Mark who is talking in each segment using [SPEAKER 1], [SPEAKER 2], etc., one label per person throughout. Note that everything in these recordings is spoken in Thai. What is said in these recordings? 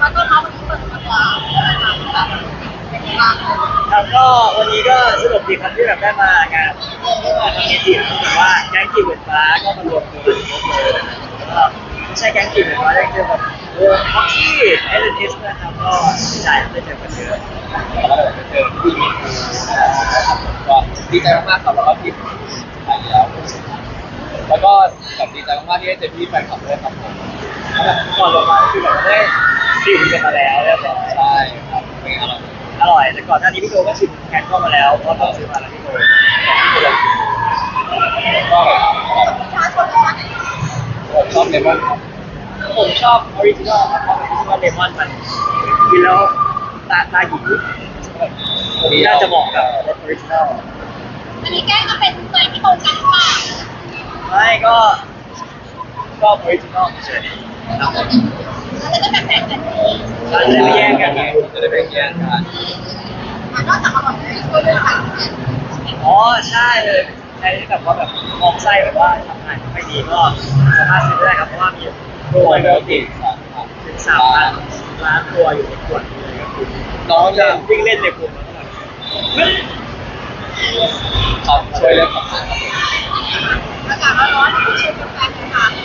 [SPEAKER 1] มาต้อนรับวันนี้เปิดตัวเป็นยังไงบ้าง
[SPEAKER 2] ครับก็วันนี้ก็สนุกดีครับที่แบบได้มางานทำเอจิแต่ว่าแก๊งกีบเหมือนฟ้าก็มารวมตัวกันครบเลยแล้วก็ไม่ใช่แก๊งกีบเหมือนฟ้าได้เจอแบบวงพ็อกซี่เอลเอสนะครับก็ดีใจได้เจอกันเยอะ
[SPEAKER 3] แล้วก็เจอพี่มีก็ดีใจมากๆครับแล้วก็ที่ถ่ายแล้วแล้วก็แบบดีใจมากๆที่ได้เจอพี่แฟนคลับด้วยครับผม
[SPEAKER 2] ก่อนลงมาคือแบบได้ชิมกันมาแล้วเรียบร้อย
[SPEAKER 3] ใช่ครับเป็นอร่อย
[SPEAKER 2] อร่อยแต่ก่อนหน้านี้พี่โจก็ชิมแคนก็มาแล้วเพราะต้องซื้อมาแล้วพี่โจ
[SPEAKER 3] ก็แบบ
[SPEAKER 1] ชาชนชาไหน
[SPEAKER 3] ชอบเลมอนครับ
[SPEAKER 2] ผมชอบออริจินอลครับเพราะออริจินอลเลมอนมันกินแล้วตาหยีน่าจะเหมาะกับรสออริจินอล
[SPEAKER 1] อันนี้แก้ก็เป็นใจที่ตรงกันหรือเปล่า
[SPEAKER 2] ไม่ก็ชอบออริจินอลเฉยครับผม
[SPEAKER 1] แล้วจะแบ่งกันนี้
[SPEAKER 2] เราจะได้ไม่แย่งกันไง
[SPEAKER 3] จะได้เป็นแย่งกัน
[SPEAKER 1] นอกจากอร่อยแล้วช่วยเรื่องการ
[SPEAKER 2] อ๋อใช่เลยใครที่แบบว่าแบบมองไส้แบบว่าทำงานไม่ดีก็สามารถซื้อได้ครับเพราะว่ามีโปรไบโอติกถึง3 ล้านตัวอยู่ในขวดนี้เลยครับคุณ
[SPEAKER 3] น้อง
[SPEAKER 2] จะ
[SPEAKER 3] จะ
[SPEAKER 2] วิ่งเล่นในกลุ่มแล้วก็แบบ
[SPEAKER 3] ครับช่วยเรื่องของงานครับผม
[SPEAKER 1] อากาศร้อนๆช่วยกันแบ่งกันค่ะ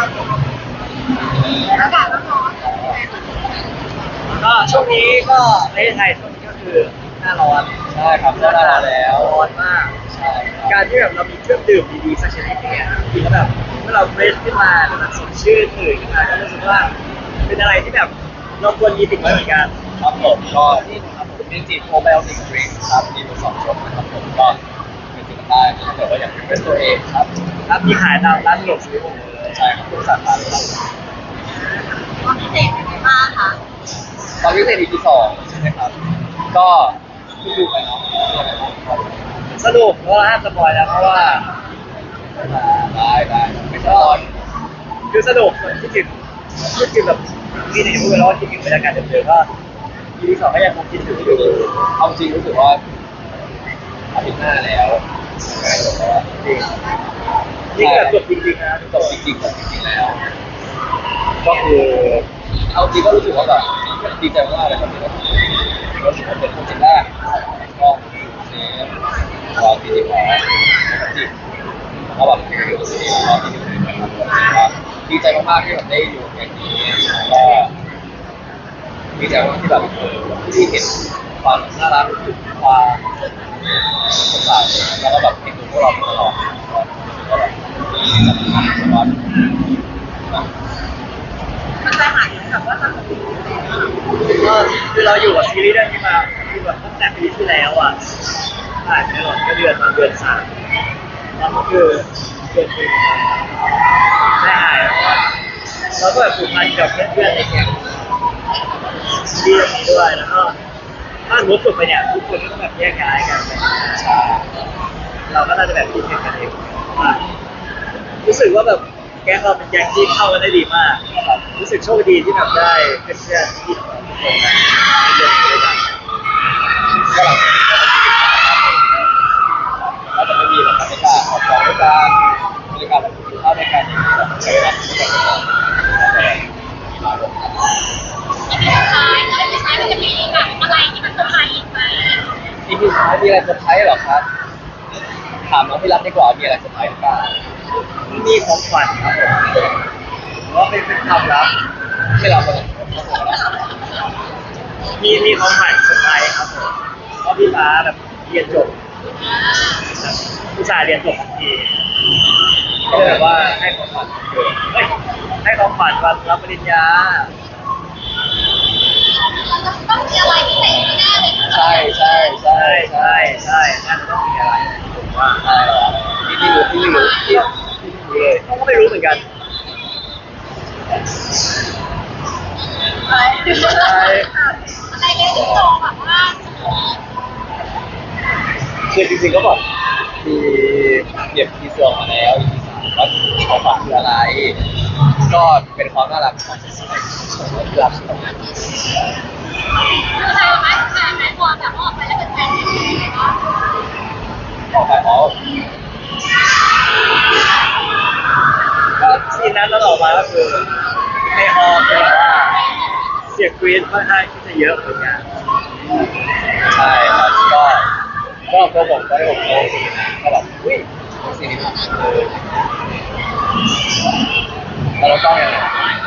[SPEAKER 1] อากาศร้อนๆ
[SPEAKER 2] แล้วก็ช่วงนี้ก็ประเทศไทยช่วงนี้ก็คือหน้าร้อน
[SPEAKER 3] ใช่ครับได้แล้ว
[SPEAKER 2] ร้อนมาก
[SPEAKER 3] ใช่
[SPEAKER 2] การที่แบบเรามีเครื่องดื่มดีๆสักชนิดหนึงเนี่ยกินแล้วแบบเมื่อเราเฟรชขึ้นมาแล้วแบบสดชื่นตื่นขึ้นมาก็รู้สึกว่าเป็นอะไรที่แบบเราควรมีติดไว้เหมือนกัน
[SPEAKER 3] ครับผมก็นี่นะครับผมเป็นจิโปรไบโอติกดริงก์ครับมีอยู่2 รสนะครับผมก็เป็นจิตได้ถ้าเกิดว่าอยากเป็นเรสตัวเองครับ
[SPEAKER 2] ครับมีขายตามร้านสะดวกซื้อหมดเลย
[SPEAKER 3] ใช่ครับทุกสาขาเลยครับ
[SPEAKER 1] ความพิเศษเป็นไงบ้างคะ
[SPEAKER 3] ตอนพิเศษ EP 2ใช่ไหมครับก็เพิ่งดูไปเนาะครับ
[SPEAKER 2] สนุกเพราะว่าห้ามสปอยแล้วเพราะว่า
[SPEAKER 3] ได้ไม่ใช่ร้อน
[SPEAKER 2] คือสนุกคิดถึงแบบที่ไหนพูดไปแล้วว่าคิดถึงบรรยากาศเดิมๆก็ EP 2ก็ยังคงคิดถึงอยู่
[SPEAKER 3] เอาจริงรู้สึกว่าอาทิตย์หน้าแล้วจริง
[SPEAKER 2] นี่ก็แบบจบจริงๆนะ
[SPEAKER 3] จบจริงแล้ว ก็คือเอาจริงก็รู้สึกว่าแบบดีใจมากเลยครับที่ได้รู้สึกว่าเป็นโปรเจกต์แรกก็เซฟรอที่ดีพอจิบแล้วแบบที่อยู่ที่รอที่ดีนะครับดีใจมากๆที่แบบได้อยู่อย่างนี้ก็ดีใจมากที่แบบที่เห็นความน่ารักความสดใสแล้วก็แบบเห็นดูพวกเราตลอดก็แบบสบาย
[SPEAKER 1] มันจะหายแบบว่าทำเป็น
[SPEAKER 2] ก็คือเราอยู่กับซีรีส์เรื่องนี้มาคือแบบตั้งแต่ปีที่แล้วอ่ะผ่านไปหมดก็เดือนมาเดือน3แล้วก็คือเดือน1ได้หายเพราะว่าเราก็แบบผูกพันกับเพื่อนๆในแก๊งซีรีส์เรื่องนี้ด้วยแล้วก็ถ้าสมมติจบไปเนี่ยทุกคนก็ต้องแบบแยกย้ายกันไปเราก็น่าจะแบบคิดถึงกันเองว่ารู้สึกว่าแบบแก๊งเราเป็นแก๊งที่เข้ากันได้ดีมากรู้สึกโชคดีที่แบบได้เพื่อนๆที่ทุกคนมาเรียนด้วยกัน
[SPEAKER 3] ก็หลังจากนี้ก็จะมีแล้วจะไม่มีแบบบรรยากาศออกกองด้วยกันบรรยากาศแบบกินข้าวด้วยกันแบบใช้เวลาด้วยกันมีมาร่วมกัน
[SPEAKER 1] อันนี้สุดท้ายแล้วสุดท้ายมันจะมีแบบอะไรที่มันเซอร์ไพรส์อีกไหม
[SPEAKER 3] อีพีสุดท้ายมีอะไรเซอร์ไพรส์เหรอครับถามน้องพี่รัตดีกว่ามีอะไรเซอร์ไพรส์หรือเปล่า
[SPEAKER 2] มีของขวัญครับผมว่าเป็นความลับ
[SPEAKER 3] ไม่รับเลย
[SPEAKER 2] มีของขวัญเซอร์ไพรส์ครับผมเพราะพี่ฟ้าแบบเรียนจบแบบผู้ชายเรียนจบทันทีก็เลยแบบว่าให้ของขวัญเกิดเฮ้ยให้ของขวัญวันรับปริญญา
[SPEAKER 1] ต้องมีอะไรพิเศษแน่เลย
[SPEAKER 3] ใช่ใช่ใช่
[SPEAKER 2] ใช่ใช่น่าจะต้องมีอะไรผมว่า
[SPEAKER 3] ใช่ที่รู้ที่รู้ที่
[SPEAKER 2] รู้เลยเขาก็ไม่รู้เหมือนกัน
[SPEAKER 1] อะไรอะไรเงี้ยที่โตแบบว่า
[SPEAKER 3] คือจริงๆก็แบบมีเก็บทีเซอร์มาแล้ว EP 3ว่าของขวัญคืออะไร ก็เป็นความน่ารักของของที่รักของ
[SPEAKER 1] คือใครไหมใครไหมพอแบบออกไปแล้วเป็นแฟนที่ดีก็
[SPEAKER 3] ของฝ่ายอ๋อ
[SPEAKER 2] ก็ซีนนั้นเราออกมาก็คือในฮอลล์คือแบบว่าเสียสียงกรี๊ดค่อนข้างที่จะเยอะเหมือนกัน
[SPEAKER 3] ใช่ครับก็ตัวผมตอนที่ผมโตสีนะก็แบบอุ้ยสีนี้แล้วก็ยังไง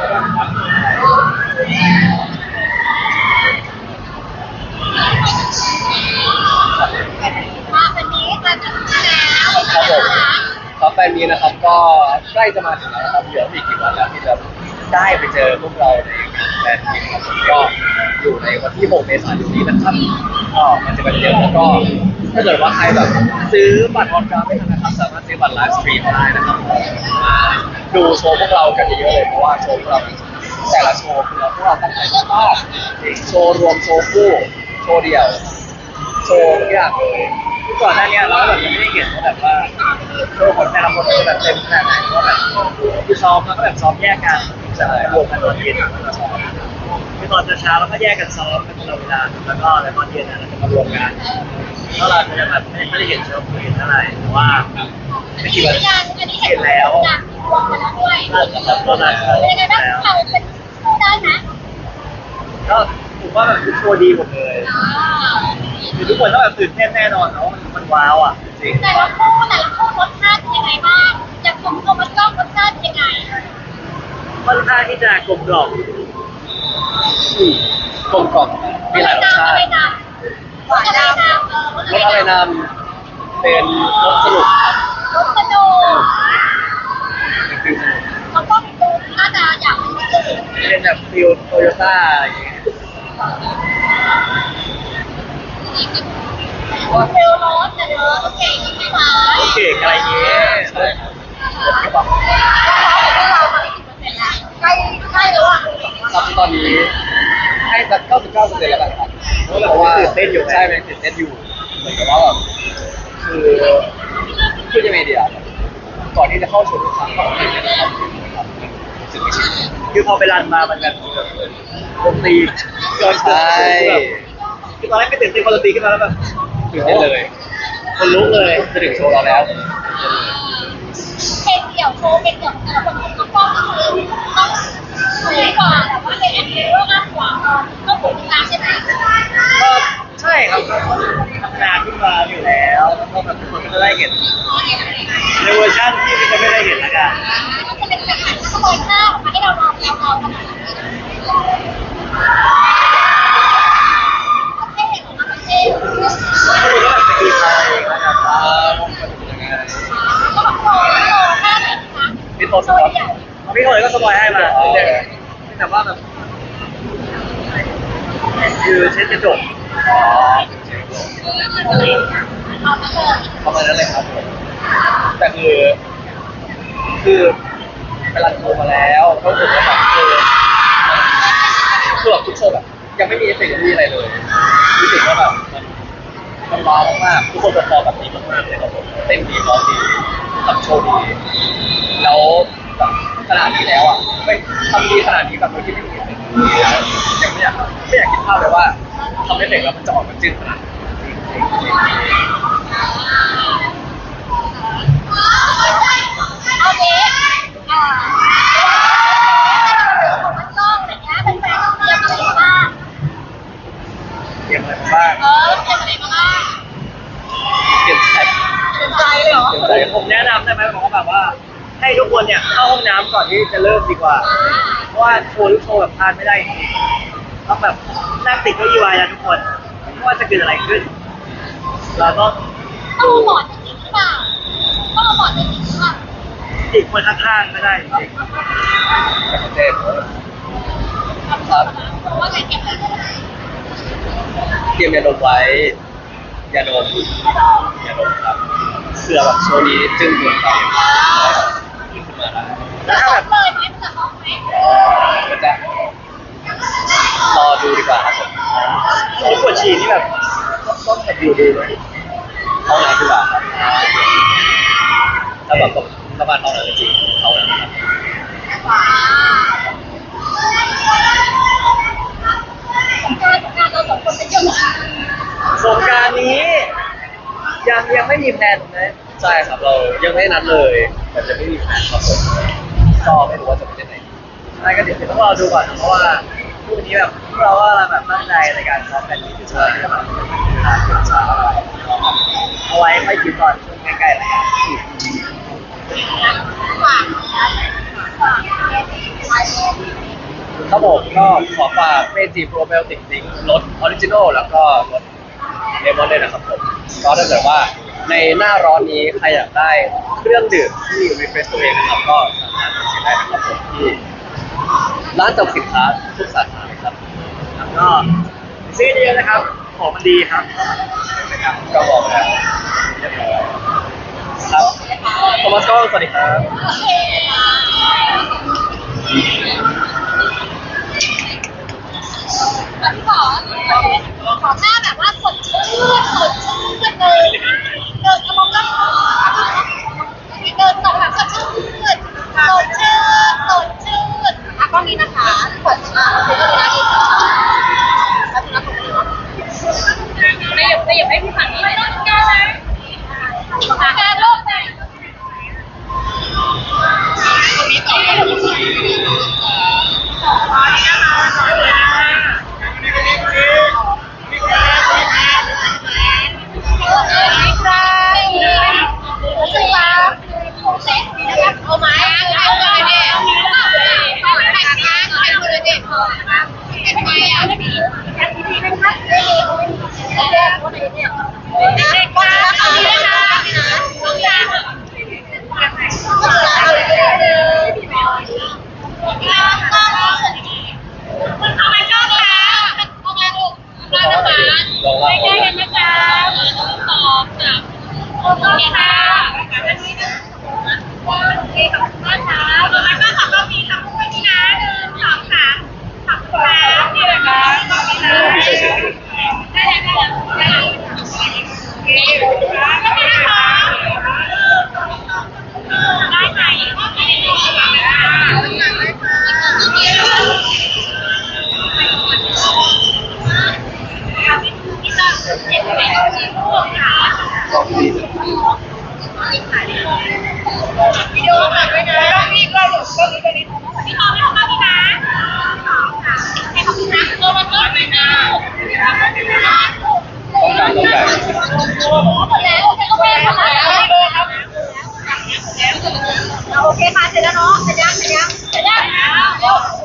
[SPEAKER 1] มาวันนี้จะถึงแล้ว
[SPEAKER 3] ครับผมครับแฟนมีนะครับก็ใกล้จะมาถึงแล้วนะครับเหลืออีกกี่วันแล้วที่จะได้ไปเจอพวกเราในงานแฟนมีครับผมก็อยู่ในวันที่6 เมษายนนี้นะครับก็มันจะเป็นเยอะแล้วก็ถ้าเกิดว่าใครแบบซื้อบัตรออนกราวไม่ทันนะครับสามารถซื้อบัตรไลฟ์สตรีมได้นะครับมาดูโชว์พวกเรากันเยอะๆเลยเพราะว่าโชว์พวกเราแต่ละโชว์คือพวกเราตั้งใจมากโชว์รวมโชว์คู่โชว์เดี่ยวโชว์ทุกอย่างเลย
[SPEAKER 2] ก่อนหน้านี้เราแบบยังไม่ได้เห็นว่าแบบว่าโชว์คนแต่ละคนแบบเต็มขนาดไหนว่าแบบคือซ้อมแล้วก็แบบซ้อมแยกกันจะรวมกันตอนเย็นคือตอนเช้าเราก็แยกกันซ้อมกันตลอดเวลาแล้วก็ตอนเย็นเราจะมารวมกันก็เราจะแบบไม่ได้เห็นโชว์คนอื่นเท่าไหร่แต่ว่าไม่คิดว่า
[SPEAKER 1] ยังอันนี้เห็นแล้วจากรวมกันแล้วด้วย
[SPEAKER 2] ตอนนั้น
[SPEAKER 1] เป็นยังไงบ้างเราเป็นคู่ได้ไหม
[SPEAKER 2] ก็ผมว่าแบบทุกโชว์ดีหมดเลยคือทุกคนต้องแบบตื่นเต้นแน่นอนเนาะมันว้าวอ่ะจริง
[SPEAKER 1] แต่ละคู่รสชาติเป็นยังไงบ้างจากกลมๆมันก็รสชาติเป็นยังไง
[SPEAKER 2] ค่อนข้างที่จะกลมกล่อม
[SPEAKER 3] กลมกล่อมมีหลายรสชาติ
[SPEAKER 1] อะไรนำหวานนำ
[SPEAKER 3] รสอะไรนำเป็นรสสนุกครับ
[SPEAKER 1] รสสนุก
[SPEAKER 3] เป็นฟิลสนุก
[SPEAKER 1] เขาก็ดูน่าจะอยากเป็นสื่อ
[SPEAKER 2] เป็นแบบฟิลโตโยต้าอย่างเงี้ย
[SPEAKER 1] เซลล์รถแต่รถเก่งใช่ไหม
[SPEAKER 2] โอเคอะไรเงี้ย
[SPEAKER 3] ใช่ครับ
[SPEAKER 1] ใกล้แล้วอ่ะ
[SPEAKER 3] ครับตอนนี้ให้สัก99%แล้วกันครับเพราะว่าใช่เป็นตื่นเต้นอยู่เหมือนกับว่าแบบคือยังไงดีอ่ะก่อนที่จะเข้าชมทุกครั้งก็ตื่นเต้นนะครับรู้สึกไม่ชิน
[SPEAKER 2] คือพอไปรันมามันแบบดนตรีเกิน
[SPEAKER 3] ใช่
[SPEAKER 2] คือตอนแรกไม่ตื่นเต้นพอดนตรีขึ้นมาแล้วแบบ
[SPEAKER 3] ตื่นเต้นเลย
[SPEAKER 2] คนลุกเลย
[SPEAKER 3] จะถึงโชว์เราแล้ว
[SPEAKER 1] เพลงเดี่ยวโชว์เพลงเดี่ยวแต่ละคนต้องป้องก็คือต้องสวยกว่าแต่ว่าเพลงอันนี้ก็มากกว่าต้องถูกตามใช่ไหม
[SPEAKER 2] ก็ใช่ครับก็พัฒนาขึ้นมาอยู่แล้วแล้วก็แบบทุกคนก็จะได้เห็นในเวอร์ชันที่มันจะไม่ได้เห็นละกัน
[SPEAKER 1] มันจะเป็นแบบขโมยข้าวมาให้เราลองขนาดนี้เท่ของมันเท่
[SPEAKER 2] ก็ดูก็แบบสกีไทยนะครับ
[SPEAKER 3] ยังไง
[SPEAKER 1] ก็แบบโตแค่ไหนคะ
[SPEAKER 3] พี่โตสปอร์ต
[SPEAKER 2] พี่คนก็สปอยให้มาแต่ว่าแบบคือเช็ดกระจก
[SPEAKER 3] ประมาณนั้นเลยครับผมแต่คือไปรันโชว์มาแล้วก็รู้สึกว่าแบบคือแบบทุกโชว์แบบยังไม่มีเอฟเฟกต์ไม่มีอะไรเลยรู้สึกว่าแบบมันว้าวมากๆทุกคนจะพอแบบนี้มากๆเลยครับผมเต้นดีร้องดีทำโชว์ดีแล้วแบบขนาดนี้แล้วอ่ะไม่ทำดีขนาดนี้แบบโดยที่ไม่มีเอฟเฟกต์แล้วยังไม่อยากคิดภาพเลยว่าทำเอฟเฟกต์แล้วมันจะออกมาจืดขนาดนี้
[SPEAKER 1] เอาเนี้ของมันกล้องอะไรเงี้ยเป็นแฟนเตรียมอะไรบ้าง
[SPEAKER 2] เตรียมอะไรมาบ้าง
[SPEAKER 1] เตรียมอะไรมาบ้าง
[SPEAKER 3] เปลี่ยนใจ
[SPEAKER 1] เป็นใจเลยเหรอ
[SPEAKER 2] ผมแนะนำได้ไหมบอกว่าแบบว่า ให้ทุกคนเนี่ยเข้าห้องน้ำก่อนที่จะเริ่มดีกว่า เพราะว่าโชว์ทุกโชว์แบบพลาดไม่ได้จริงๆต้องแบบนั่งติดเก้าอี้ไว้นะทุกคนไม่ว่าจะเกิดอะไรขึ้น เราต้อง
[SPEAKER 1] ต้องเอาบอร์ดจริงหรือเปล่าต้องเอาบอร์ดจริงหรือเปล่า
[SPEAKER 2] ติดคนข้างๆก็ได้จริง
[SPEAKER 3] เต้น
[SPEAKER 1] ครับเพราะว่าไงเก็บอะไร
[SPEAKER 3] เตรียมยาดมไว้ยาดมครับเสื้อแบบโชว์นี้จึ้งเกินไปขึ้นมาได้
[SPEAKER 2] แล้วถ้าแบบ
[SPEAKER 1] เลยไหมจะออกไหม
[SPEAKER 3] ก็จะรอดูดีกว่าครับผม
[SPEAKER 2] โอ้ปวดฉี่นี่แบบต้องแบบอยู่ดูไหม
[SPEAKER 3] เข้าน้ำดีกว่าครับถ้าแบบสามารถเข้าน้ำจริงๆเข้าน้ำครับ
[SPEAKER 1] การเราสองคนเป็นยังไง
[SPEAKER 2] สงกรานต์นี้ยังไม่มีแพลนนะ
[SPEAKER 3] ใช่ครับเรายังไม่นัดเลยแต่จะไม่มีแผนครับผมก็ไม่รู้ว่าจะไปที่ไหน
[SPEAKER 2] ใช่ก็เดี๋ยวต้องรอดูก่อนนะเพราะว่าวันนี้แบบพวกเราว่าแบบตั้งใจในการซ้อมแฟนมิตรที่จะแบบเวลาเช้าเอาไว้ค่อยคิดก่อนช่วงใกล้ๆอะไรกัน
[SPEAKER 1] ฝากฝาก
[SPEAKER 3] ครับผมก็ขอฝากเมจิโปรไบโอติกซิงรสออริจินอลแล้วก็รสเลมอนด้วยนะครับผมก็ถ้าเกิดว่าในหน้าร้อนนี้ใครอยากได้เครื่องดื่มที่รีเฟรชตัวเองนะครับก็สามารถไปซื้อได้นะครับผมที่ร้านจำสินค้าทุกสาขาเลยครับ
[SPEAKER 2] แล้วก็ซื้อเยอะนะครับของมันดีครับนะครับ
[SPEAKER 3] ก็บอกแล้วเรียบร้อยครับโทมัสก้องสวัสดีครับ
[SPEAKER 1] โอเคพี่ขอหน้าแบบว่าสดชื่นเลยเดินกระมองก็เดินต่อแบบสดชื่นอ่ะกล้องนี้นะคะสดชื่นคือก็เลยนะไม่หยุดให้พี่ฝันนี่ไม่ต้องแก้เลยแก้โลกเลยมีต่อไปเอาไม้เอาเลยเนี่ยแต่งงานใครคนเลยเนี่ยเป็นไงอ่ะดีนะคะเด็กคนไหนเนี่ยก็นะคะต้องการคุณทำไมชอบคะเอาไงลูกได้ไหมไม่ได้เห็นไหมคะตอบจ้ะโอเคค่ะโอเคขอบคุณมากค่ะแล้วก็ขอบคุณพี่ค่ะพูดนี่นะ1 2 3ขอบคุณค่ะนี่เลยค่ะได้นะคะได้ไหมวิดีโอถ่ายไว้นะพี่ก็หลุดก็มีไปนิดพี่ขอพี่ขอมาพี่นะให้ขอบคุณนะมันก็ไม่น่า
[SPEAKER 3] ต้องการต้องการ
[SPEAKER 1] หมดแล้วโอเคก็ไม่หมดแล้วครับโอเคค่ะเสร็จแล้วเนาะเสร็จยัง